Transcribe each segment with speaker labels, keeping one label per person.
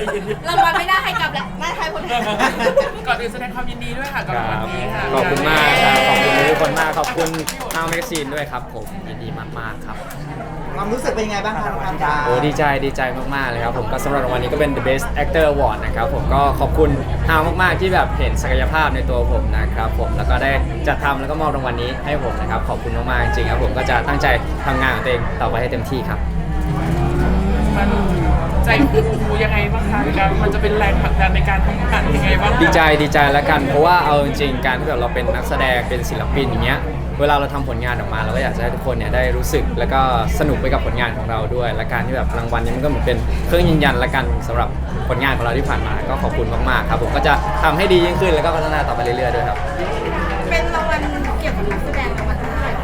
Speaker 1: รางวัลไม่ได้ให้กลับแหละไม่ให้คนอื่น
Speaker 2: ก่อนอื่นแสดงความยินดีด้วยค่ะกับรางวัลนี้ค่ะ
Speaker 3: ขอบคุณมากครับขอบคุณทุกคนมากขอบคุณทางแมกซีนด้วยครับผมยินดีมากๆครับ
Speaker 4: ความรู้สึกเป็นยังไงบ้างคะน้องการ
Speaker 3: โอ้ดีใจมากๆเลยครับผมก็สำหรับรางวัลนี้ก็เป็น The Best Actor Award นะครับผมก็ขอบคุณฮาวมากๆที่แบบเห็นศักยภาพในตัวผมนะครับผมแล้วก็ได้จัดทำแล้วก็มอบรางวัลนี้ให้ผมนะครับขอบคุณมากๆจริงๆครับผมก็จะตั้งใจทำงานของตัวเองต่อไปให้เต็มที่ครับ
Speaker 2: มันใจฟูยังไงบ้างคะมันจะเป็นแรงผลักดันในการทำงานยังไงบ้างคะ
Speaker 3: ดีใจแล้วกันเพราะว่าเอาจริงๆการที่แบบเราเป็นนักแสดงเป็นศิลปินอย่างเงี้ยเวลาเราทำผลงานออกมาเราก็อยากจะให้ทุกคนเนี่ยได้รู้สึกแล้วก็สนุกไปกับผลงานของเราด้วยและการที่แบบรางวัลนี้มันก็เหมือนเป็นเครื่องยืนยันละกันสำหรับผลงานของเราที่ผ่านมาก็ขอบคุณมากๆครับผมก็จะทำให้ดียิ่งขึ้นแล้วก็พัฒนาต่อไปเรื่อยๆด้วยครับ
Speaker 1: เป็นรางวัลเกี่ยวกับนักแสดงรางวัลเท่าไหร่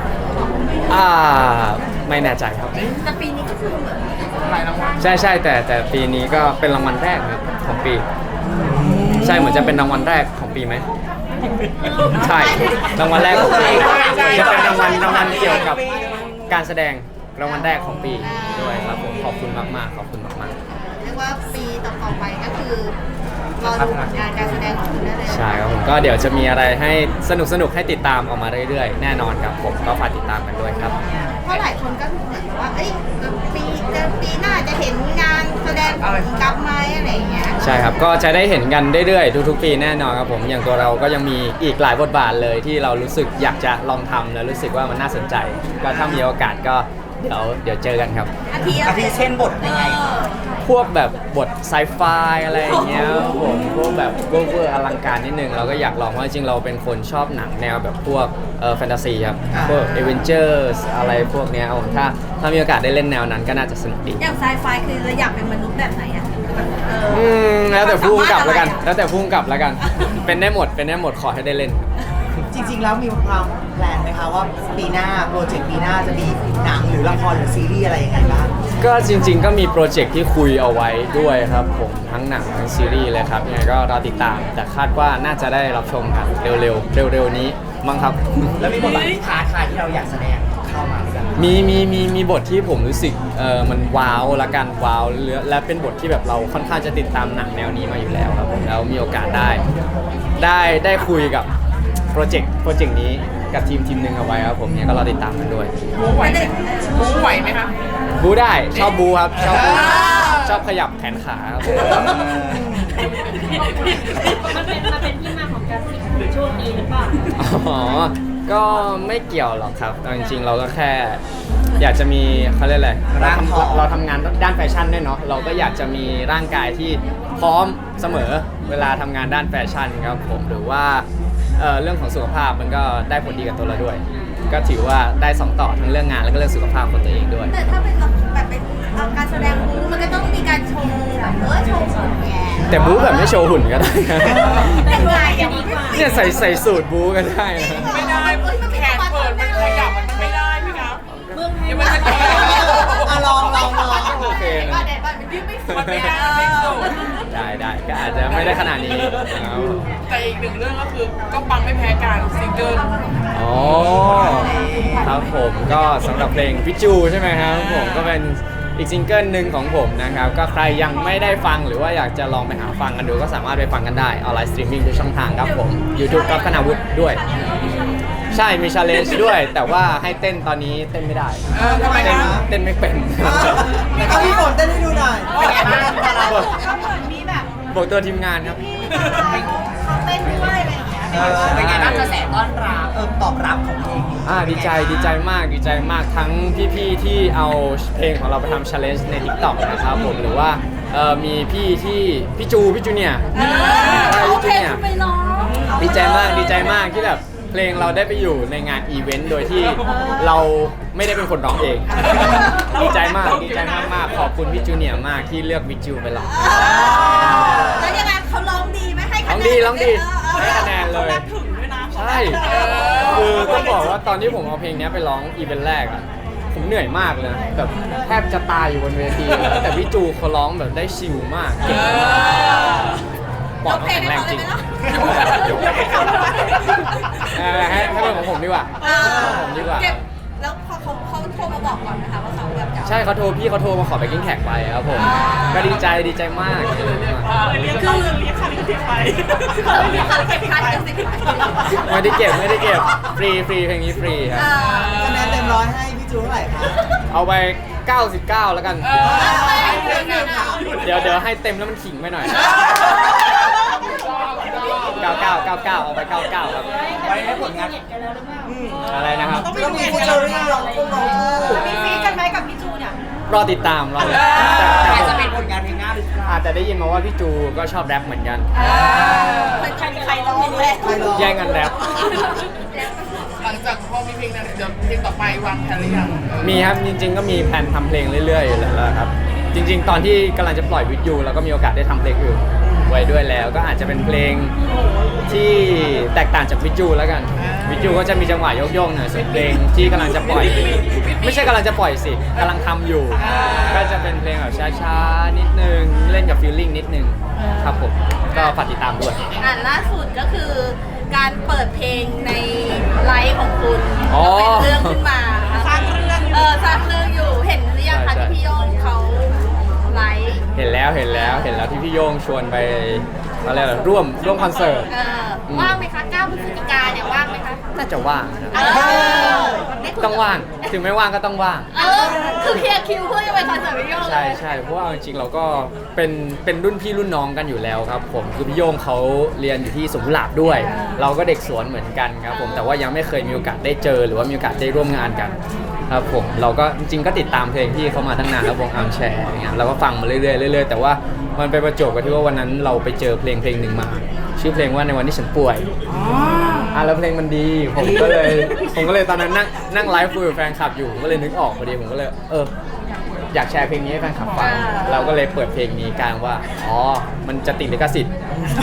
Speaker 3: ไม่แน่ใจครับ
Speaker 1: แต่ปีนี้ก็คือเหมือน
Speaker 2: หลายรางวัล
Speaker 3: ใช่แต่ปีนี้ก็เป็นรางวัลแรกนะของปี ใช่เหมือนจะเป็นรางวัลแรกของปีไหมใช่รางวัลแรกของปีจะเป็นรางวัลเกี่ยวกับการแสดงรางวัลแรกของปีด้วยครับผมขอบคุณมากๆขอบคุณมากๆ
Speaker 1: เรียกว่าปีต่อๆไปก็คือรอดูผลงานการแสดงของคุณได้เลย
Speaker 3: ใช่ครับผมก็เดี๋ยวจะมีอะไรให้สนุกให้ติดตามออกมาเรื่อยๆ แน่นอนครับผมก็ฝากติดตามกันด้วยครับ
Speaker 1: เพราะหลายคนก็เหมือนว่าเอ้ยปีหน้าจะเห็นงานแสดงของกลับไหมอะไรอย่างเงี้ย
Speaker 3: ใช่ครับก็จะได้เห็นกันเรื่อยๆทุกๆปีแน่นอนครับผมอย่างตัวเราก็ยังมีอีกหลายบทบาทเลยที่เรารู้สึกอยากจะลองทำแล้วรู้สึกว่ามันน่าสนใจ ก็ถ้ามีโอกาสก็เดี๋ยวเจอกันครับ
Speaker 1: อาทิ
Speaker 4: เช่นบทยังไง
Speaker 3: พวกแบบบทไซไฟอะไรอย่างเงี้ยครับผมพวกแบบเวอร์อลังการนิดนึงเราก็อยากลองเพราะจริงๆเราเป็นคนชอบหนังแนวแบบพวกแฟนตาซีครับพวกเอเวนเจอร์อะไรพวกเนี้ยครับผมถ้ามีโอกาสได้เล่นแนวนั้นก็น่าจะสนุกดี
Speaker 1: อย่างไซไฟคือเราอยากเป็นมนุษย์แบบไหนอ่ะ
Speaker 3: แล้วแต่ผู้กำกับแล้วกันแล้วแต่ผู้กำกับแล้วกันเป็นได้หมดขอให้ได้เล่น
Speaker 4: จริงๆแล้วมีความแพลนไหมคะว่าปีหน้าโปรเจกต์ปีหน้าจะมีหนังหรือละครหรือซีรีส์อะไรยังไงบ้าง
Speaker 3: ก็จริงๆก็มีโปรเจกต์ที่คุยเอาไว้ด้วยครับผมทั้งหนังทั้งซีรีส์เลยครับยังไงก็รอติดตามแต่คาดว่าน่าจะได้รับชมกันเร็วๆนี้มั้งครับ
Speaker 4: แล้วมีบทบาทที่ท้าทายที่เราอยากแสดงเข้ามาหรือยัง
Speaker 3: มีบทที่ผมรู้สึกมันว้าวละกันว้าวและเป็นบทที่แบบเราค่อนข้างจะติดตามหนังแนวนี้มาอยู่แล้วครับผมแล้วมีโอกาสได้คุยกับโปรเจกต์นี้กับทีมหนึ่งเอาไว้ครับผมเนี่ยก็รอติดตามกันด้วย
Speaker 2: บู๊ไหวไหมคะ
Speaker 3: บูได้ชอบบูครับชอบขยับแขนขาครับผม
Speaker 5: มันเป็นที่มาของการที่ช่วงนี้หรือเปล่า
Speaker 3: อ๋อ ก็ไม่เกี่ยวหรอกครับเอาจริงๆเราก็แค่อยากจะมีเขาเรียกอะไรเราทำงานด้านแฟชั่นด้วยเนาะเราก็อยากจะมีร่างกายที่พร้อมเสมอเวลาทำงานด้านแฟชั่นครับผมหรือว่าเรื่องของสุขภาพมันก็ได้ผลดีกับตัวเราด้วย ก็ถือว่าได้สองต่อทั้งเรื่องงานแล้วก็เรื่องสุขภาพของตัวเองด้วย
Speaker 1: แต่ถ้าเป็นแบบเป็นการแสดงบู๊มันก็ต้องมีการโชว์แบบโชว์หุ่นแง
Speaker 3: แต่บู๊แบบไม่โชว์หุ่นก็ได้นะ
Speaker 1: ยังไงอย่างนี้
Speaker 3: เนี่ยใส่สูตรบู๊ก็ได้นะ
Speaker 2: ไม่ได้แขนเปิดมันขยับมันไม่ได้พี่ครับ
Speaker 5: เมืองไทย
Speaker 2: เดี๋ยวมันจะ
Speaker 4: ลอง
Speaker 3: โอเคนะ
Speaker 1: ว่าเด็ดมันยืดไม่สุด
Speaker 2: มันไม่ได้มันไม่สุด
Speaker 3: ได้ก็อาจจะไม่ได้ขนาดนี้ครับ
Speaker 2: แต่อีกหนึ่งเรื่องก็คือก็ปังไม่แพ้กันซิงเกิล
Speaker 3: อ๋อครับผมก็สำหรับเพลงพิจูใช่ไหมครับผมก็เป็นอีกซิงเกิลหนึ่งของผมนะครับก็ใครยังไม่ได้ฟังหรือว่าอยากจะลองไปหาฟังกันดูก็สามารถไปฟังกันได้ออนไลน์สตรีมมิ่งทุกช่องทางครับผม YouTube กับคณาวุฒิด้วย ใช่มีชาเลนจ์ด้วย แต่ว่าให้เต้นตอนนี้เต้นไม่ได้
Speaker 2: ทำไมนะ
Speaker 3: เต้นไม่เป็น
Speaker 4: เอาพี่ฝนเต้นให้ดูหน่อย
Speaker 1: มีแบบ
Speaker 3: บอกตัวทีมงานครับ
Speaker 1: เขาเต้นด้วยอะไรอย่างเงี้ย
Speaker 4: เป็นไงบ้างกระแสต้อนรับตอบรับของเพลงนี้
Speaker 3: ดีใจมากทั้งพี่ๆที่เอาเพลงของเราไปทำ challenge ใน TikTok นะครับผมหรือว่ามีพี่จูเนี่ย
Speaker 1: โอเคคุณไปร้อง
Speaker 3: ดีใจมากที่แบบเพลงเราได้ไปอยู่ในงานอีเวนต์โดยที่เราไม่ได้เป็นคนร้องเอง ดีใจมากขอบคุณพี่จูเนียร์มากที่เลือกวิจูไปร้อง
Speaker 1: แล้วยังไงเขาร้องดีไหมให้คะแนน
Speaker 3: ร้องดีให้คะแนนเลยใช่คือต้องบอกว่าตอนที่ผมเอาเพลงนี้ไปร้องอีเวนต์แรกอะผมเหนื่อยมากเลยนะแบบแทบจะตายอยู่บนเวทีเลยแต่พี่จูเขาร้องแบบได้ชิลมากเก่งมากปอดเขาแข็งแรงจริงให้เป็นของผมดีกว่า
Speaker 1: เก็บแล้วพอเขาโทรมาบอกก่อนนะคะว่าเขาแบบจะ
Speaker 3: ใช่เขาโทรมาขอไปกิ้งแท็กไปครับผมก็ดีใจมาก
Speaker 2: คือเรียกค่าลิขสิทธิ์ไป
Speaker 1: เขามีเขาเก็บคัดกันสิ
Speaker 3: ไม่ได้เก็บฟรีเพลงนี้ฟรีครับ
Speaker 4: คะแนนเต็มร้อยให้พี่จูเท่าไหร่คะ
Speaker 3: เอาไป 99 แล้วกัน เดี๋ยวให้เต็มแล้วมันขิงไปหน่อย 99 เอาไป 99 ครับ
Speaker 4: ไว้ให้ผลงาน
Speaker 3: อะไรนะครับ
Speaker 4: ต้องมีฟิชเจอริ่งร้องคู่ร้องคู่
Speaker 1: มีฟีกันไหมกับพี่จูเนี่ย
Speaker 3: รอติดตามแต่
Speaker 4: แต่จะเป็นผลงานเพลงหน้าหรือเปล่า
Speaker 3: อาจจะได้ยินมาว่าพี่จูก็ชอบแรปเหมือนกัน
Speaker 1: เป็นใครร้องเลย
Speaker 4: ใครร้อง
Speaker 3: แย่งกันแรป
Speaker 2: หลังจากพอมีเพลงนั้นเดี๋ยวเพลงต่อไปวางแผนหรือยัง
Speaker 3: มีครับจริงๆก็มีแผนทำเพลงเรื่อยๆแล้วครับจริงๆ ตอนที่กำลังจะปล่อยวิดยูเราก็มีโอกาสได้ทำเพลงอื่นไว้ด้วยแล้ว ก็อาจจะเป็นเพลงที่แตกต่างจากวิดยูแล้วกันวิดยูก็จะมีจังหวะโยกๆหน่อยส่วนเพลงที่กำลังจะปล่อย ไม่ใช่กำลังจะปล่อยสิกำลังทำอยู่ ก็จะเป็นเพลงแบบช้าๆนิดนึงเล่นกับฟีลลิ่งนิดนึงครับผมก็ฝากติดตามด้วย
Speaker 1: ล่าสุดก็คือการเปิดเพลงในไลฟ์ของคุณ
Speaker 3: อ๋อ
Speaker 1: เป็นเรื่องขึ้นมาสร้างเรื่องสร้างเรื่องอยู่เห็นหรือยังคะ
Speaker 3: ใช่
Speaker 1: ที่พี่โยงเขาไลฟ์
Speaker 3: เห็นแล้วที่พี่โย่งชวนไปอะไรล่ะร่วมคอนเสิร์ต
Speaker 1: ว่างไหมคะ9 พฤศจิกาเนี่ยว่างไหมคะ
Speaker 3: น่าจะว่างนะ
Speaker 1: ได้คุยกับ
Speaker 3: ต้องว่างถึงไม่ว่างก็ต้องว่าง
Speaker 1: คือเคลียร์คิวเพื่อจะไปคอนเสิร์ตพี่โยงเลย
Speaker 3: ใช่เพราะว่าจริงๆเราก็เป็นรุ่นพี่รุ่นน้องกันอยู่แล้วครับผมคือพี่โย่งเขาเรียนอยู่ที่สวนกุหลาบด้วย เราก็เด็กสวนเหมือนกันครับผมแต่ว่ายังไม่เคยมีโอกาสได้เจอหรือว่ามีโอกาสได้ร่วมงานกันครับผมเราก็จริงๆก็ติดตามเพลงพี่เขามาตั้งนานแล้ววงอาร์มแชร์อย่างเงี้ยเราก็ฟังมาเรื่อยๆแต่ว่ามันไปประจวบกับที่ว่าวันนั้นเราไปเจอเพลงหนึ่งมา ชื่อเพลงว่าในวันที่ฉันป่วยแล้วเพลงมันดีผมก็เลยตอนนั้นนั่งไลฟ์คุยกับแฟนคลับอยู่ผมก็เลยนึกออกพอดีผมก็เลยอยากแชร์เพลงนี้ให้แฟนคลับฟังเราก็เลยเปิดเพลงนี้กลางว่าอ๋อมันจะติดลิขสิทธิ์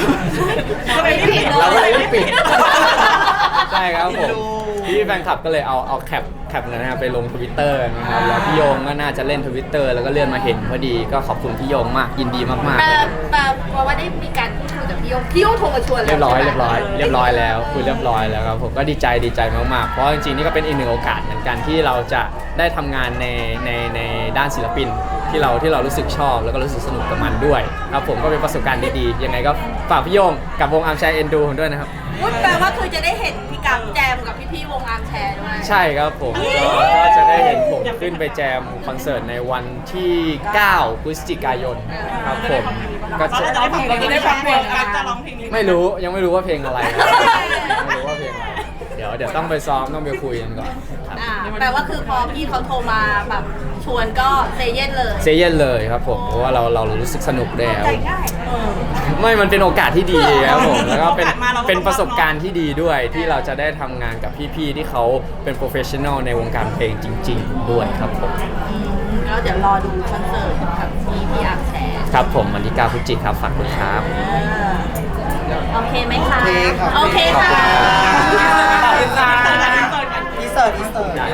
Speaker 3: เราก็เลยรีบปิดใช่ครับผมพี่แฟนคลับก็เลยเอาแคปนั้นไปลง Twitter นะครับแล้วพี่โยงก็น่าจะเล่น Twitter แล้วก็เลื่อนมาเห็นพอดีก็ขอบคุณพี่โยงมากยินดีมากๆเลย
Speaker 1: แต่ว่าได้มีการพูดคุยกับพี่โยงโทรมาชวน
Speaker 3: เรียบร้อยแล้วคุยเรียบร้อยแล้วครับผมก็ดีใจมากๆเพราะจริงๆนี่ก็เป็นอีกหนึ่งโอกาสเหมือนกันที่เราจะได้ทำงานในด้านศิลปินที่เรารู้สึกชอบแล้วก็รู้สึกสนุกกับมันด้วยครับผมก็เป็นประสบการณ์ดีๆยังไงก็ฝากพี่โยงกับวงอาร์มแชร์เอ็นดูผมด้วยนะครับ
Speaker 1: แปลว่าคือจะได้เห็นพี่กั๊กแจมกับพี่วงอาร์มแชร์ด้วย
Speaker 3: ใช่ครับผมก็จะได้เห็นผมขึ้นไปแจมคอนเสิร์ตในวันที่ 9 พฤศจิกายนครับผมก็จะ
Speaker 2: เราจะได้ฟังเพลงกันจะร้องเพลงนี้
Speaker 3: ไม่รู้ยังไม่รู้ว่าเพลงอะไรครับไม่รู้ว่าเพลงอะไรเดี๋ยวต้องไปซ้อมต้องไปคุยกันก่อนครับ
Speaker 1: แปลว่าคือพอพี่เขาโทรมาแบบชวนก็เซเย่นเลย
Speaker 3: เซเยนเลยครับผมเพราะว่าเรารู้สึกสนุกแล้ว
Speaker 1: ใจง่าย
Speaker 3: ไม่มันเป็นโอกาสที่ดีครับผมแล้วก็เป็นประสบการณ์ที่ดีด้วยที่เราจะได้ทำงานกับพี่ๆที่เขาเป็นโปรเฟชชั่นอลในวงการเพลงจริง ๆ ด้วยครับผม
Speaker 1: แล้วเดี๋ยวรอดูคอนเสิร์ตกับพี่อาร์มแชร์
Speaker 3: ครับผมวันที่ 9 พฤศจิกายนครับฝากด้วยครับ
Speaker 1: โอเคไหมคะ
Speaker 4: โอเคครับ
Speaker 1: โอเคค่ะ
Speaker 4: ขอบคุณค่ะ อินเสิร์ต